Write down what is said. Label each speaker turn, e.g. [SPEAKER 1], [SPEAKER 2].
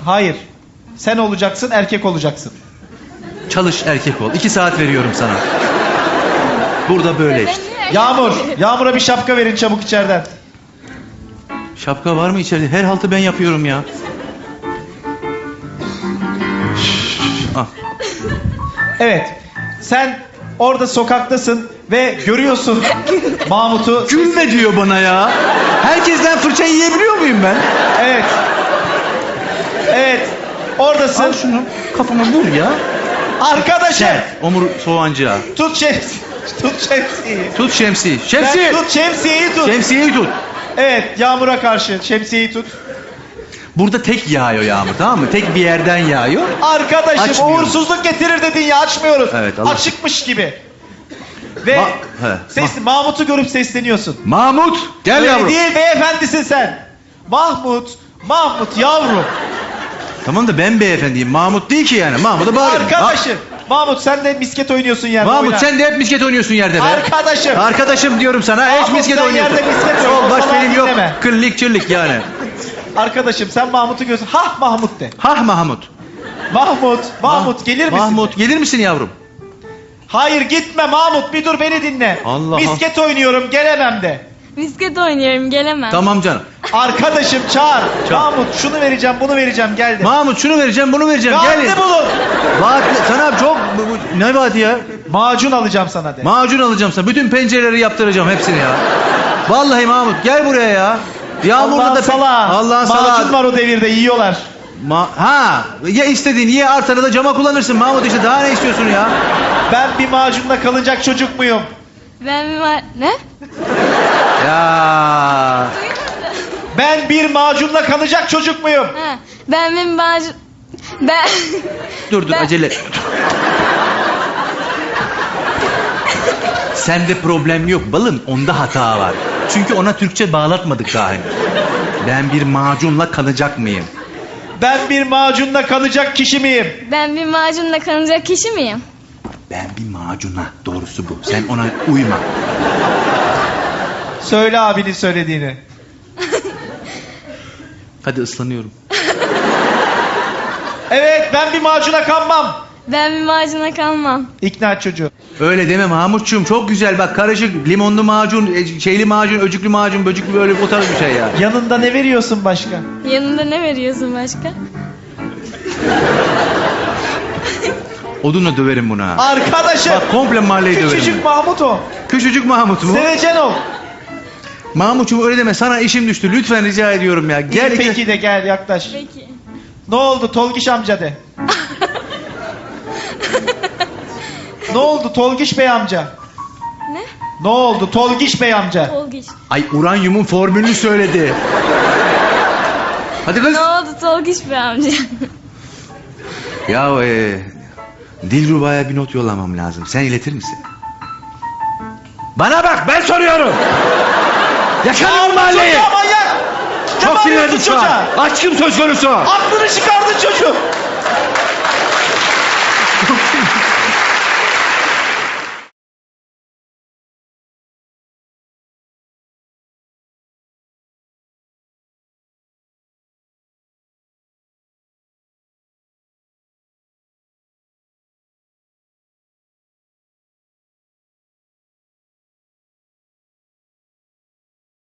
[SPEAKER 1] Hayır. Sen olacaksın, erkek olacaksın.
[SPEAKER 2] Çalış erkek ol. 2 saat veriyorum sana. Burada böyle işte.
[SPEAKER 1] Yağmur. Yağmur'a bir şapka verin çabuk içeriden.
[SPEAKER 2] Şapka var mı içeride? Her haltı ben yapıyorum ya. Ah.
[SPEAKER 1] Evet. Sen orada sokaktasın ve görüyorsun Mahmut'u.
[SPEAKER 2] Gülme diyor bana ya. Herkesten fırça yiyebiliyor muyum ben?
[SPEAKER 1] Evet. Evet. Oradasın.
[SPEAKER 2] Al şunu kafama vur ya.
[SPEAKER 1] Arkadaşım.
[SPEAKER 2] Omur soğancığa.
[SPEAKER 1] Tut şemsiyeyi. Tut şemsiyeyi.
[SPEAKER 2] Tut şemsiye. Şemsiye.
[SPEAKER 1] Tut şemsiyeyi tut.
[SPEAKER 2] Şemsiyeyi tut.
[SPEAKER 1] Evet, yağmura karşı şemsiyeyi tut.
[SPEAKER 2] Burada tek yağıyor yağmur, tamam mı? Tek bir yerden yağıyor.
[SPEAKER 1] Arkadaşım
[SPEAKER 2] Açmıyoruz.
[SPEAKER 1] uğursuzluk getirir dedin ya, açmıyoruz.
[SPEAKER 2] Evet, Allah.
[SPEAKER 1] Açıkmış gibi. Ve
[SPEAKER 2] He,
[SPEAKER 1] Mahmut'u görüp sesleniyorsun.
[SPEAKER 2] Mahmut gel
[SPEAKER 1] Öyle
[SPEAKER 2] yavrum.
[SPEAKER 1] değil, beyefendisin sen. Mahmut yavrum.
[SPEAKER 2] Tamam da ben beyefendiyim. Mahmut değil ki yani. Mahmut'a bağırıyorum.
[SPEAKER 1] Arkadaşım. Mahmut sen de misket oynuyorsun yerde.
[SPEAKER 2] Mahmut
[SPEAKER 1] oyna.
[SPEAKER 2] sen de hep misket oynuyorsun yerde be.
[SPEAKER 1] Arkadaşım.
[SPEAKER 2] Arkadaşım diyorum sana.
[SPEAKER 1] Mahmut,
[SPEAKER 2] Hiç misket
[SPEAKER 1] sen
[SPEAKER 2] oynuyorsun.
[SPEAKER 1] yerde misket oyna,
[SPEAKER 2] Sol
[SPEAKER 1] o
[SPEAKER 2] baş
[SPEAKER 1] salağı
[SPEAKER 2] benim yok.
[SPEAKER 1] dinleme.
[SPEAKER 2] Kırlık çırlık yani.
[SPEAKER 1] Arkadaşım sen Mahmut'u görüyorsun. Hah Mahmut de.
[SPEAKER 2] Hah Mahmut.
[SPEAKER 1] Mahmut gelir misin?
[SPEAKER 2] Mahmut gelir misin yavrum?
[SPEAKER 1] Hayır gitme Mahmut, bir dur beni dinle.
[SPEAKER 2] Allah
[SPEAKER 1] Misket oynuyorum, gelemem de.
[SPEAKER 3] Misket oynuyorum, gelemem.
[SPEAKER 2] Tamam canım.
[SPEAKER 1] Arkadaşım çağır. Mahmut şunu vereceğim, bunu vereceğim, gel de.
[SPEAKER 2] Mahmut şunu vereceğim bunu vereceğim. Gel.
[SPEAKER 1] Vaatte bulun.
[SPEAKER 2] Vaat sana çok ne vaadi ya?
[SPEAKER 1] Macun alacağım sana de.
[SPEAKER 2] Macun alacağım sana. Bütün pencereleri yaptıracağım hepsini ya. Vallahi Mahmut gel buraya ya. Yağmurda
[SPEAKER 1] Allah'ın
[SPEAKER 2] da
[SPEAKER 1] salağı.
[SPEAKER 2] Allah'ın
[SPEAKER 1] Macun
[SPEAKER 2] salağı.
[SPEAKER 1] var o devirde, yiyorlar.
[SPEAKER 2] Ya istediğin ye, artanı da cama kullanırsın Mahmut, işte daha ne istiyorsun ya?
[SPEAKER 1] Ben bir macunla kalacak çocuk muyum?
[SPEAKER 3] Ben bir ne?
[SPEAKER 2] Ya
[SPEAKER 1] Ben bir macunla kalacak çocuk muyum?
[SPEAKER 3] Ha, ben bir macun... Ben...
[SPEAKER 2] dur acele et. Sende problem yok balım, onda hata var. Çünkü ona Türkçe bağlatmadık daha henüz. Ben bir macunla kalacak mıyım?
[SPEAKER 1] Ben bir macunla kalacak kişi miyim?
[SPEAKER 3] Ben bir macunla kalacak kişi miyim?
[SPEAKER 2] Ben bir macuna, doğrusu bu. Sen ona uyma.
[SPEAKER 1] Söyle abinin söylediğini.
[SPEAKER 2] Hadi ıslanıyorum.
[SPEAKER 1] Evet, ben bir macuna kanmam.
[SPEAKER 3] Ben bir macuna kalmam.
[SPEAKER 1] İkna et çocuğu.
[SPEAKER 2] Öyle deme Mahmutçuğum, çok güzel bak, karışık limonlu macun, şeyli macun, öcüklü macun, böcüklü, böyle o tarz bir şey ya.
[SPEAKER 1] Yanında ne veriyorsun başka?
[SPEAKER 3] Yanında ne veriyorsun başka?
[SPEAKER 2] Odunla döverim buna.
[SPEAKER 1] Arkadaşım.
[SPEAKER 2] Bak komple mahalleyi döverim.
[SPEAKER 1] Küçücük Mahmut o.
[SPEAKER 2] Küçücük Mahmut bu.
[SPEAKER 1] Sevecen ol.
[SPEAKER 2] Mahmutçuğum öyle deme, sana işim düştü, lütfen rica ediyorum ya. Gel.
[SPEAKER 1] Peki de gel yaklaş.
[SPEAKER 3] Peki.
[SPEAKER 1] Ne oldu Tolgiş amca de. Ne oldu Tolgiş bey amca?
[SPEAKER 3] Ne?
[SPEAKER 1] Ne oldu Tolgiş bey amca?
[SPEAKER 3] Tolgiş.
[SPEAKER 2] Ay uranyumun formülünü söyledi. Hadi kız.
[SPEAKER 3] Ne oldu Tolgiş be amca?
[SPEAKER 2] Ya Dilruba'ya bir not yollamam lazım. Sen iletir misin? Bana bak, ben soruyorum. Yakalayın mahalleyi.
[SPEAKER 1] Çocuğa manyak.
[SPEAKER 2] Çok
[SPEAKER 1] Ne
[SPEAKER 2] sinirlendim
[SPEAKER 1] bağırıyorsun
[SPEAKER 2] şu an.
[SPEAKER 1] çocuğa?
[SPEAKER 2] Aşkım söz konusu.
[SPEAKER 1] Aklını çıkardın çocuğu.